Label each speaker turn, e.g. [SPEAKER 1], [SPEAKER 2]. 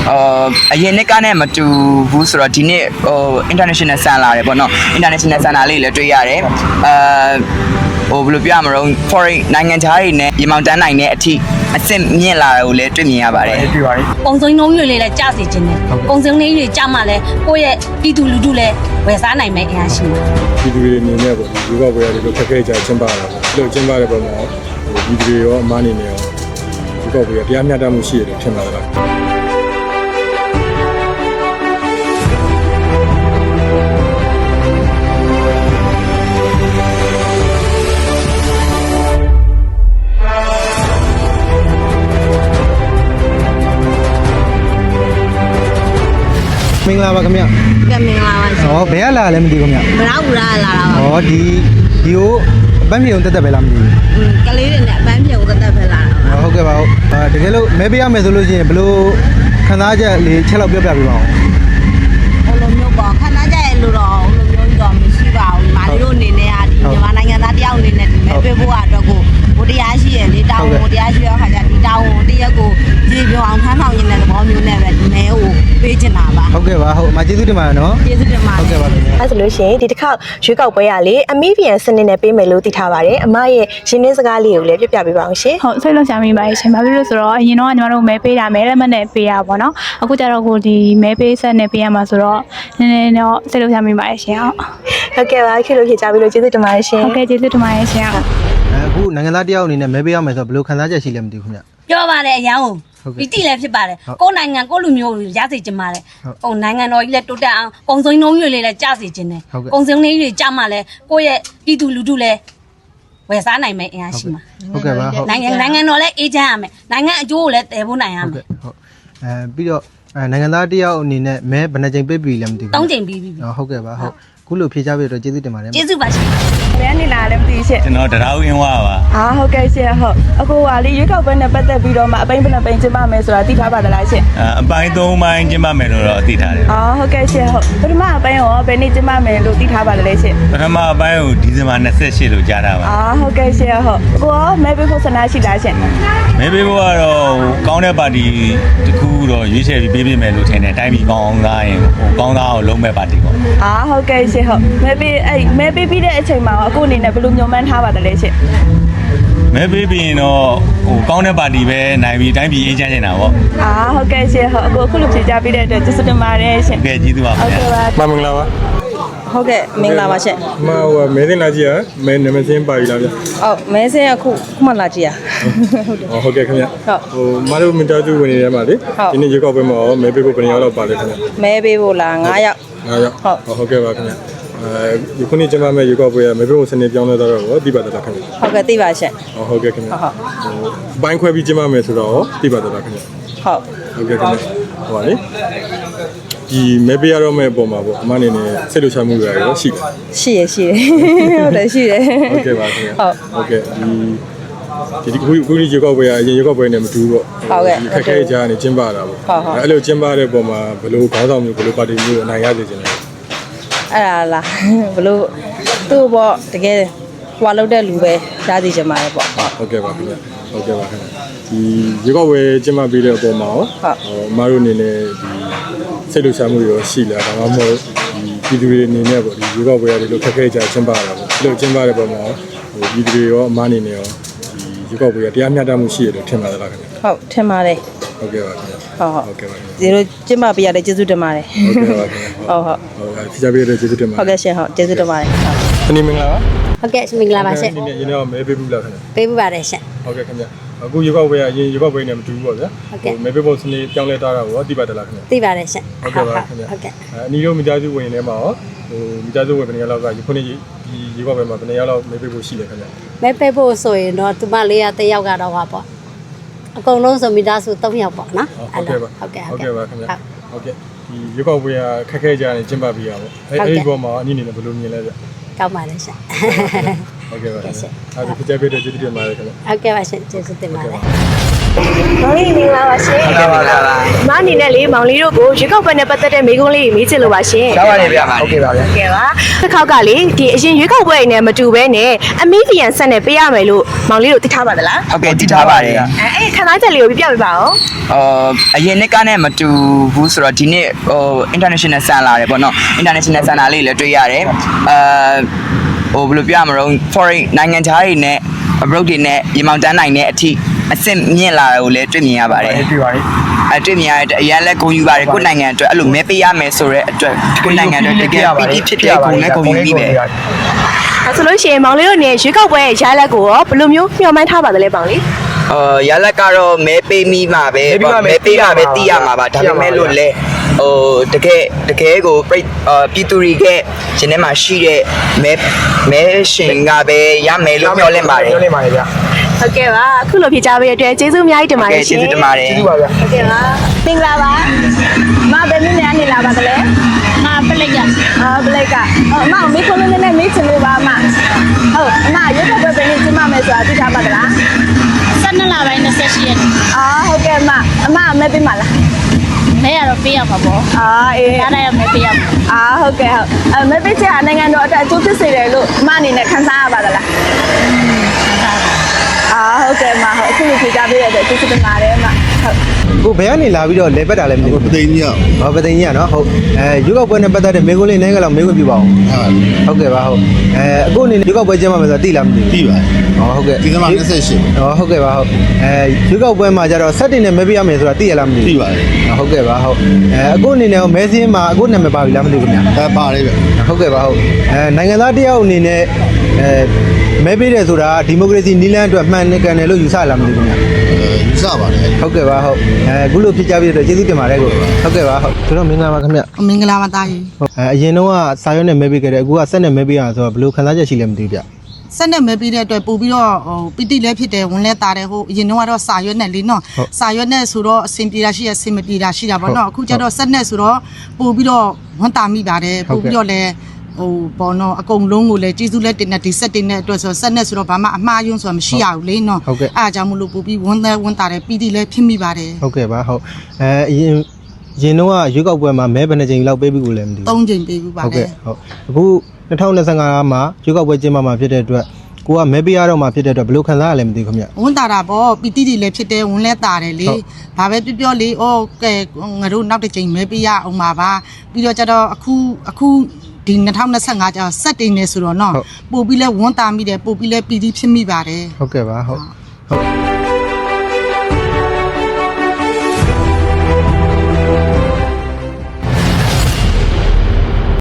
[SPEAKER 1] အရင်နှစ်ကနဲ့မတူဘူးဆိုတော့ဒီနှစ်international ဆန်လာတယ်ပေါ့နော် international ဆန်လာလေးလည်းတွေ့ရတယ်ဘယ်လိုပြောရမလဲ foreign နိုင်ငံခြားတွေနဲ့ရေမောင်တန်းနိုင်တဲ့အထိအဆင့်မြင့်လာတာကိုလည်းတွေ့မြင်ရပါတယ်တွေ့ပါတယ်
[SPEAKER 2] ပုံစံနှုံးတွေလည်းကြားစီခြင်းတယ်ပုံစံလေးတွေကြားမှလည်းကိုယ့်ရဲ့ပြည်သူလူထုလည်းဝယ်စားနိုင်မယ်အရာရှိတယ်
[SPEAKER 3] ပြည်သူတွေအနေနဲ့ပေါ့ဒီလူကဘွယ်ရတယ်လို့ခက်ခဲကြကျင်းပတာပေါ့ဒီလိုကျင်းပတဲ့ပုံမှာပြည်သူတွေရောအမားနေနေရောဒီကဘွယ်တရားမျှတမှုရှိရတယ်ထင်ပါလား
[SPEAKER 4] မင်္ဂလာပါခင်ဗျ
[SPEAKER 2] ကဲမင်္ဂလာပါရှင်
[SPEAKER 4] ။ဟောဘယ်ကလာလဲမသိဘူးခင်ဗျ
[SPEAKER 2] ဘလောက်ဘူးလားလာတာပါ
[SPEAKER 4] ။ဟောဒီကိုအပန်းပြေုံတက်တက်ပဲလားမသိဘူး
[SPEAKER 2] ကလေးတွေနဲ့အပန်းပြုံသက်သက်ပဲလာတာ
[SPEAKER 4] ။ဟုတ်ကဲ့ပါဟုတ်။တကယ်လို့မဲပေးရမယ်ဆိုလို့ရှိရင်ဘယ်လိုခံစားချက်လေးချက်လောက်ပြောပြပေးပါဦး
[SPEAKER 2] ဟိုလိုမျိုးပေါ့ခဏကြရဲ့လို့တော့ဟိုလိုမျိုးတော့မရှိပါဘူးမာလီတို့အနေနဲ့ကဒီမြန်မာနိုင်ငံသားတယောက်အနေနဲ့ဒီမဲ့ပေးဖို့အတွက်ကိုဘိုတရားရှိရဲ့လေတောင်းဘိုတရားရှိရခါကျဒီတောင်းတရက်ကိုကြည်ပြောအောင်ထမ်းဆောင်ရင်းတဲ့သဘောမျိုးနဲ့ပဲဒီမဲကိုပေးချင်တာပါ
[SPEAKER 4] ။ဟုတ်ကဲ့ပါဟုတ်အမကျေးဇူးတင်ပါတယ်နော်
[SPEAKER 2] ကျေးဇူးတင်ပါ
[SPEAKER 4] ။ဟုတ်ကဲ့ပါခင်ဗျ
[SPEAKER 5] အဲ့ဆိုလို့ရှိရင်ဒီတစ်ခေါက်ရွေးကောက်ပွဲရလေအမီဗီယန်စနစ်နဲ့ပေးမယ်လို့သိထားပါတယ်အမရဲ့ရင်းနှင်းစကားလေးကိုလည်းပြပြပေးပါအောင်ရှင်
[SPEAKER 6] ဟုတ်စိတ်လှုပ်ရှားမိပါရှင်ဘာဖြစ်လို့ဆိုတော့အရင်တော့ညီမတို့မဲပေးတာမဲလက်မှတ်နဲ့ပေးရပါတော့အခုကျတော့ကိုဒီမဲပေးဆက်နဲ့ပေးရမှာဆိုတော့နည်းနည်းတော့စိတ်လှုပ်ရှားမိပါရှင်ဟုတ်
[SPEAKER 5] ဟုတ်ကဲ့ပါခေတ်လို့ဖြေချပြီးလို့ကျေးဇူးတင်ပါတယ်ရှင်
[SPEAKER 6] ဟုတ်ကဲ့ကျေးဇူးတင်ပါတယ်ရှင်ဟုတ်
[SPEAKER 4] ။အခုနိုင်ငံသားတယောက်အနေနဲ့မဲပေးရမယ်ဆိုတော့ဘယ်လိုခံစားချက်ရှိလဲမသိဘူးခင်ဗျ
[SPEAKER 2] ပြောပါတယ်အရန်ကိုဒီတိလည်းဖြစ်ပါတယ်ကိုယ်နိုင်ငံကိုလူမျိုးရစေချင်ပါတယ်ဟိုနိုင်ငံတော်ကြီးလည်းတိုးတက်အောင်ပုံစံနှုံးတွေလည်းကြားစေချင်တယ်ပုံစံလေးတွေကြားမှလည်းကိုယ့်ရဲ့ပြည်သူလူထုလည်းဝယ်စားနိုင်မယ်အရာရှိမှာ
[SPEAKER 4] ။ဟုတ်ကဲ့ပါဟုတ်
[SPEAKER 2] နိုင်ငံတော်လည်းအေးချမ်းရမယ်နိုင်ငံအကျိုးကိုလည်းတည်ဖို့နိုင်ရ
[SPEAKER 4] ဟုတ်
[SPEAKER 2] မယ်
[SPEAKER 4] ကဲ့ဟုတ်ပြီးတော့နိုင်ငံသားတယောက်အနေနဲ့မဲဘယ်နှကြိမ်ပေးပြီလဲမသိဘူး
[SPEAKER 2] ၃ချိန်ပြီးပြီ
[SPEAKER 4] ဟုတ်ကဲ့ပါဟုတ်ခုလိုဖြေချပေးတော့ကျေးဇူးတင်ပါတယ်
[SPEAKER 2] ကျေးဇူးပါရှင်
[SPEAKER 7] ဘယ်ကနေလာလဲမသိရှင့်
[SPEAKER 8] ကျွန်တော်တရားဝင်ဝါပါ
[SPEAKER 7] အာဟုတ်ကဲ့ရှင့်ဟုတ်အခုကလေရွေးကောက်ပွဲနဲ့ပတ်သက်ပြီးတော့မှအပိန်းဘယ်နှပိန်းကျင်းပမယ်ဆိုတာသိထားပါသလားရှင့်
[SPEAKER 8] အပိုင်း၃ပိုင်းကျင်းပမယ်လို့တော့သိထားတယ်
[SPEAKER 7] အာဟုတ်ကဲ့ရှင့်ဟုတ်ပထမအပိုင်းရောဘယ်နေ့ကျင်းပမယ်လို့သိထားပါလဲရှင့်
[SPEAKER 8] ပထမအပိုင်းကိုဒီဇင်ဘာ28လို့ကြားတာပါ
[SPEAKER 7] အာဟုတ်ကဲ့ရှင့်ဟုတ်ကိုရောမဲပေးဖို့ဆန္ဒရှိလားရှင့်
[SPEAKER 8] မဲပေးဖို့ကတော့ကောင်းတဲ့ပါတီတစ်ခုတော့ရွေးချယ်ပြီးပေးပေးမယ်လို့ထင်တယ်တိုင်းပြည်ကောင်းသားရင်ကောင်းသားကိုလုံးမဲ့ပါတီပေါ့
[SPEAKER 7] အာဟုတ်ကဲ့ရှင့်ဟုတ်မဲပေးပြီးတဲ့အချိန်မှာအခုအနေနဲ့ဘယ်လိုညွှန်မှန်းထားပါသလဲရှင့်
[SPEAKER 8] မဲပေးပြီးရင်တော့ကောင်းတဲ့ပါတီပဲနိုင်ပြီးတိုင်းပြည်အေးချမ်းနေတာပေါ့
[SPEAKER 7] အာဟုတ်ကဲ့ရှင့်ဟုတ်အခုလိုဖြေကြားပေးတဲ့အတွက်ကျေးဇူးတင်ပါတယ်ရှင့်
[SPEAKER 8] ကဲကျေးဇူးပါခင်ဗျာ
[SPEAKER 3] မင်္ဂလာပါ
[SPEAKER 7] ဟုတ်ကဲ့မင်္ဂလာပါရှင့်
[SPEAKER 3] မဟိုမဲသိလာကြည့်ရမဲနမစင်းပါပြီလားဗျ
[SPEAKER 7] ဟုတ်မဲစင်းအခုမှလာကြည့်ရဟုတ်တယ်
[SPEAKER 3] ဟုတ်ကဲ့ခင်ဗျ
[SPEAKER 7] ဟုတ်
[SPEAKER 3] ဟိုမတို့မင်တာကျူဝင်နေတယ်မှာလေ
[SPEAKER 7] ဟုတ်
[SPEAKER 3] ဒီနေ့ရေကောက်ပွဲမှာရောမဲပေးဖို့ဘယ်နှစ်ယောက်လောက်ပါလဲခင်ဗျ
[SPEAKER 7] မဲပေးဖို့လား9ယောက်
[SPEAKER 3] 9ယောက်ဟုတ်ကဲ့ပါခင်ဗျဒီခုနေ့ကျမမဲ့ရေကောက်ပွဲကမဲပေးဖို့စနေပြောင်းလဲတော့ရောသိပါသလားခင်ဗျ
[SPEAKER 7] ဟုတ်ကဲ့သိပါရှင့်
[SPEAKER 3] ဟုတ်ကဲ့ခင်ဗျ
[SPEAKER 7] ဟုတ်
[SPEAKER 3] ဘိုင်းခွဲပြီးကျမမယ်ဆိုတော့သိပါသလားခင်ဗျ
[SPEAKER 7] ဟုတ်
[SPEAKER 3] ဟုတ်ကဲ့ခင်ဗျဟိုပါလေဒီမဲပေးရတော့မဲ့အပေါ်မှာပေါ့အမအနေနဲ့စိတ်လှုပ်ရှားမှုတွေရောရှိတယ်
[SPEAKER 7] ရှိရဟုတ်တယ်ရှိတယ်
[SPEAKER 3] ဟုတ်ကဲ့ပါခင်ဗျ
[SPEAKER 7] ဟုတ်
[SPEAKER 3] ဟုတ်ကဲ့ဒီခုဒီရေကောက်ပွဲကအရင်ရေကောက်ပွဲနဲ့မတူဘူးပေါ့
[SPEAKER 7] ဟုတ်ကဲ့
[SPEAKER 3] ခက်ခဲကြနေကျင်းပတာပေါ့
[SPEAKER 7] ဟုတ်ဟုတ်
[SPEAKER 3] အဲ့လိုကျင်းပတဲ့ပုံမှာဘယ်လိုခေါင်းဆောင်မျိုးဘယ်လိုပါတီမျိုးအနိုင်ရစေချင်လဲ
[SPEAKER 7] အဲ့ဒါလားဘလို့သူ့ပေါ့တကယ်ဟွာလောက်တဲ့လူပဲရှားစီချင်ပါတယ်ပေါ့ဟုတ်
[SPEAKER 3] ဟုတ်ကဲ့ပါခင်ဗျဟုတ်ကဲ့ပါခင်ဗျဒီရေကောက်ပွဲကျင်းပပေးတဲ့အပေါ်မှာရော
[SPEAKER 7] ဟုတ်
[SPEAKER 3] အမတို့အနေနဲ့ဒီစိတ်လှုပ်ရှားမှုတွေရောရှိလားဒါမှမဟုတ်ဒီပြည်သူတွေအနေနဲ့ပေါ့ဒီရေကောက်ပွဲရတယ်လို့ခက်ခဲကြကျင်းပတာပေါ့အဲ့လိုကျင်းပတဲ့ပုံမှာဟိုပြည်သူတွေရောအမအနေနဲ့ရောဒီရေကောက်ပွဲကတရားမျှတမှုရှိရတယ်ထင်ပါသလားခင်ဗျ
[SPEAKER 7] ဟုတ်ထင်ပါတယ်
[SPEAKER 3] ဟုတ်ကဲ့ပါခင်ဗျ
[SPEAKER 7] ဟုတ်ဟုတ်
[SPEAKER 3] ဟုတ်ကဲ့ပါခင်ဗျ
[SPEAKER 7] ဒီလိုကျင်းပပေးရတဲ့ကျေးဇူးတင်ပါတယ်
[SPEAKER 3] ဟုတ်ကဲ့ပါခင်ဗျ
[SPEAKER 7] ဟုတ်ဟုတ်
[SPEAKER 3] ဟုတ်ဖြေချပေးတဲ့ကျေးဇူးတင်ပါ
[SPEAKER 7] ဟုတ်ကဲ့ရှင်ဟုတ်ကျေးဇူးတင်ပါတယ်ဟုတ်
[SPEAKER 3] တနင်္မင်္ဂလာပါ
[SPEAKER 2] ဟုတ်ကဲ့မင်္ဂလာပါရှင်
[SPEAKER 3] ဒီနေ့ရင်းတော့မဲပေးဘူးလားခင်ဗျ
[SPEAKER 2] ပေးပြပါတယ်ရှင်
[SPEAKER 3] ဟုတ်ကဲ့ခင်ဗျအခုရေကောက်ပွဲကအရင်ရေကောက်ပွဲနဲ့မတူဘူးပေါ့ဗျာ
[SPEAKER 2] ဟုတ်ကဲ့
[SPEAKER 3] မဲပေးဖို့စနေပြောင်းလဲထားတာကိုသိပါသလားခင်ဗျ
[SPEAKER 2] သိပါတယ်ရှင်
[SPEAKER 3] ဟုတ်ကဲ့ပါခင်ဗျ
[SPEAKER 2] ဟုတ်ကဲ့
[SPEAKER 3] အနီတို့မိသားစုဝင်ထဲမှာရောဟိုမိသားစုဝင်ဘယ်နှစ်ယောက်လောက်ကဒီခုနေ့ဒီရေကောက်ပွဲမှာဘယ်နှစ်ယောက်လောက်မဲပေးဖို့ရှိလဲခင်ဗျ
[SPEAKER 2] မဲပေးဖို့ဆိုရင်တော့သူမလေးကတစ်ယောက်ကတော့ပါပေါ့အကုန်လုံးဆိုမိသားစု3ယောက်ပေါ့နော်
[SPEAKER 3] ဟုတ်ကဲ့ပါ
[SPEAKER 2] ဟုတ်ကဲ့
[SPEAKER 3] ဟုတ်ကဲ့ပါခင်ဗျဟုတ်ကဲ့ဒီရေကောက်ပွဲကခက်ခဲကြနေကျင်းပပေးရပါအဲ့ဒီဘောမှာအနည်းနေဘယ်လိုမြင်လဲဗျ
[SPEAKER 2] ကောင်းပါလေရှင်
[SPEAKER 3] ဟုတ်ကဲ့ပါခင်ဗျအဲ့ဒီပြကြပေးတဲ့ကျေးဇူးတင်ပါတယ်ခင်ဗျ
[SPEAKER 2] ဟုတ်ကဲ့ပါရှင်ကျေးဇူးတင်ပါတယ်
[SPEAKER 5] မောင်လေးမင်္ဂလာပါရှင်
[SPEAKER 1] ဟုတ်ကဲ့ပါလား
[SPEAKER 5] မအနေနဲ့လေမောင်လေးတို့ကိုရွေးကောက်ပွဲနဲ့ပတ်သက်တဲ့မိကုံးလေးမေးချင်လို့ပါရှင်
[SPEAKER 1] ရပါတယ်ဗျာဟုတ်ကဲ့ပါဗျာ
[SPEAKER 5] ကဲပါတစ်ခေါက်ကလေဒီအရင်ရွေးကောက်ပွဲနဲ့မတူဘဲနဲ့အမီဗီယန်ဆက်နဲ့ပေးရမယ်လို့မောင်လေးတို့သိထားပါသလား
[SPEAKER 1] ဟုတ်ကဲ့တည်ထားပါတယ်
[SPEAKER 5] အဲ့ခဏချက်လေးကိုပြပြပေးပါဦး
[SPEAKER 1] အရင်နှစ်ကနဲ့မတူဘူးဆိုတော့ဒီနေ့international ဆန်လာတယ်ပေါ့နော် international ဆန်လာလေးလည်းတွေ့ရတယ်ဘယ်လိုပြောရမလဲ foreign နိုင်ငံခြားတွေနဲ့ abroad တွေနဲ့ရေမောင်တန်းနိုင်တဲ့အထိအဆင့်မြင့်လာတာကိုလည်းတွေ့မြင်ရပါတယ်တွေ့ပါတယ်တွေ့မြင်ရတဲ့အရင်လည်းဂုဏ်ယူပါတယ်ကိုယ့်နိုင်ငံအတွက်အဲ့လိုမဲပေးရမယ်ဆိုတဲ့အတွက်ကိုယ့်နိုင်ငံအတွက်တကယ်ပီတိဖြစ်ဖြစ်ဂုဏ်နဲ့ဂုဏ်ယူပြီးပဲ
[SPEAKER 5] အဲ့ဆိုလို့ရှိရင်မောင်လေးတို့နေရွေးကောက်ပွဲရဲ့ရလဒ်ကိုရောဘယ်လိုမျိုးမျှော်မှန်းထားပါသလဲမောင်လေး
[SPEAKER 1] ရလက်ကတော့မဲပေးမိမှာပဲမဲပေးတာပဲသိရမှာပါဒါပေမဲ့လို့လဲတကယ်ကိုပြည်သူတွေကရှင်ထဲမှာရှိတဲ့မဲရှင်ကပဲရမယ်လို့ပြောလင့်ပါတယ်
[SPEAKER 4] ပြောနေပါလေဗျာ
[SPEAKER 5] ဟုတ်ကဲ့ပါအခုလိုဖြေချပေးရတဲ့အတွက်ကျေးဇူးအများကြီးတင်ပါတယ်ရှင်
[SPEAKER 1] ကျေးဇူးတင်ပါတယ်
[SPEAKER 4] ကျေးဇူးပါဗျာ
[SPEAKER 5] ဟုတ်ကဲ့ပါမင်္ဂလာပါမဘယ်နည်းနဲ့နေလာပါသလဲ
[SPEAKER 6] ငါပလိတ်က
[SPEAKER 5] ဘလိတ်ကအမမေးခွန်းလေးနဲ့မေးချင်လို့ပါအမဟုတ်အမရွေးကောက်ပွဲဘယ်နည်းကျင်းမမယ်ဆိုတာသိထားပါသလား
[SPEAKER 6] 12လပိုင်း28ရက်
[SPEAKER 5] ဟုတ်ကဲ့အမမဲပေးပါလား
[SPEAKER 6] မဲရတော့ပေးရမှာပေါ့
[SPEAKER 5] အေး
[SPEAKER 6] ရတာရမဲပေးရမှာ
[SPEAKER 5] ဟုတ်ကဲ့ဟုတ်မဲပေးချင်နိုင်ငံတော်အတွက်အကျိုးဖြစ်စေတယ်လို့အမအနေနဲ့ခံစားရပါသလားဟုတ်ကဲ့မဟုတ်အခုလိုဖြေကြပေးရတဲ့ကျေးဇူးတင်ပါတယ်အမဟုတ်
[SPEAKER 4] ကိုဘယ်ကနေလာပြီးတော့လဲပတ်တာလဲမသိဘူး
[SPEAKER 9] ပသိန်းကြီး
[SPEAKER 4] ဟောပသိန်းကြီးကနော်ဟုတ်ရွေးကောက်ပွဲနဲ့ပတ်သက်တဲ့မိကုံးလေးနိုင်ငံလောက်မိကုံးပြပါအောင်ဟုတ်ကဲ့ပါဟုတ်အခုအနေနဲ့ရွေးကောက်ပွဲကျင်းပမယ်ဆိုတော့သိလားမသိဘူး
[SPEAKER 9] ပြီပါ
[SPEAKER 4] ဟုတ်ကဲ့
[SPEAKER 9] ဒီကမှာ28
[SPEAKER 4] ဟုတ်ကဲ့ပါဟုတ်ရွေးကောက်ပွဲမှာကျတော့7တင်နဲ့မဲပေးရမယ်ဆိုတာသိရလားမသိ
[SPEAKER 9] ပြီ
[SPEAKER 4] ဘူး
[SPEAKER 9] ပါတယ်
[SPEAKER 4] ဟုတ်ကဲ့ပါဟုတ်အခုအနေနဲ့မဲစင်းမှာအခုနာမည်ပါပြီလားမသိဘူးခင်ဗျာ
[SPEAKER 9] ပါတယ်ဗျ
[SPEAKER 4] ဟုတ်ကဲ့ပါဟုတ်နိုင်ငံသားတယောက်အနေနဲ့မဲပေးတယ်ဆိုတာဒီမိုကရေစီနီးလန်းအတွက်မှန်ကန်တယ်လို့ယူဆလားမသိဘူးခင်ဗျာ
[SPEAKER 9] ယူဆပါတယ်
[SPEAKER 4] ဟုတ်ကဲ့ပါဟုတ်အခုလိုဖြစ်ကြပြီးတော့ကျေးဇူးတင်ပါတယ်ကိုဟုတ်ကဲ့ပါဟုတ်ကျွန်တော်မင်္ဂလာပါခင်ဗျ
[SPEAKER 2] မင်္ဂလာပါသားကြီး
[SPEAKER 4] အရင်တော့စာရွက်နဲ့မဲပေးခဲ့တယ်အခုကဆက်နဲ့မဲပေးရဆိုတော့ဘယ်လိုခံစားချက်ရှိလဲမသိဘူးဗျ
[SPEAKER 2] ဆက်နဲ့မဲပေးတဲ့အတွက်ပို့ပြီးတော့ပီတိလည်းဖြစ်တယ်ဝင်လဲတာတယ်ဟိုအရင်တော့စာရွက်နဲ့လေနော်စာရွက်နဲ့ဆိုတော့အဆင်ပြေတာရှိရအဆင်မပြေတာရှိတာပေါ့နော်အခုကျတော့ဆက်နဲ့ဆိုတော့ပို့ပြီးတော့ဝန်တာမိပါတယ်ပို့ပြီးတော့လည်းပေါ်တော့အကုန်လုံးကိုလည်းကျေးဇူးလက်တင်နဲ့ဒီဆက်တင်တဲ့အတွက်ဆိုဆက်နဲ့ဆိုတော့ဘာမှအမှားယွန်းဆိုတာမရှိရဘူးလေနော်အားကြောင့်မလို့ပို့ပြီးဝန်တာတယ်ပီတိလည်းဖြစ်မိပါတယ်
[SPEAKER 4] ဟုတ်ကဲ့ပါဟုတ်အရင်တော့ရွေးကောက်ပွဲမှာမဲဘယ်နှကြိမ်လောက်ပေးပြီးကိုလည်းမသိဘူး
[SPEAKER 2] 3 ချိန်ပေးပြီးပါ
[SPEAKER 4] ဟုတ်
[SPEAKER 2] လေ
[SPEAKER 4] ကဲ့ဟုတ်အခု2025မှာရွေးကောက်ပွဲကျင်းပမှာဖြစ်တဲ့အတွက်ကိုကမဲပေးရတော့မှာဖြစ်တဲ့အတွက်ဘယ်လိုခံစားရလဲမသိဘူးခင်ဗျ
[SPEAKER 2] ဝန်တာတာပေါ့ပီတိတွေလည်းဖြစ်တယ်ဝန်လဲတာတယ်လေဘာပဲပြောလေဩကဲငါတို့နောက်တစ်ချိန်မဲပေးရအောင်ပါပြီးတော့ကျတော့အခုဒီ2025ကျတော့စက်တင်နေဆိုတော့နော်ပို့ပြီးလဲဝန်တာမိတယ်ပို့ပြီးလဲပီတိဖြစ်မိပါတယ်
[SPEAKER 4] ဟုတ်ကဲ့ပါဟုတ်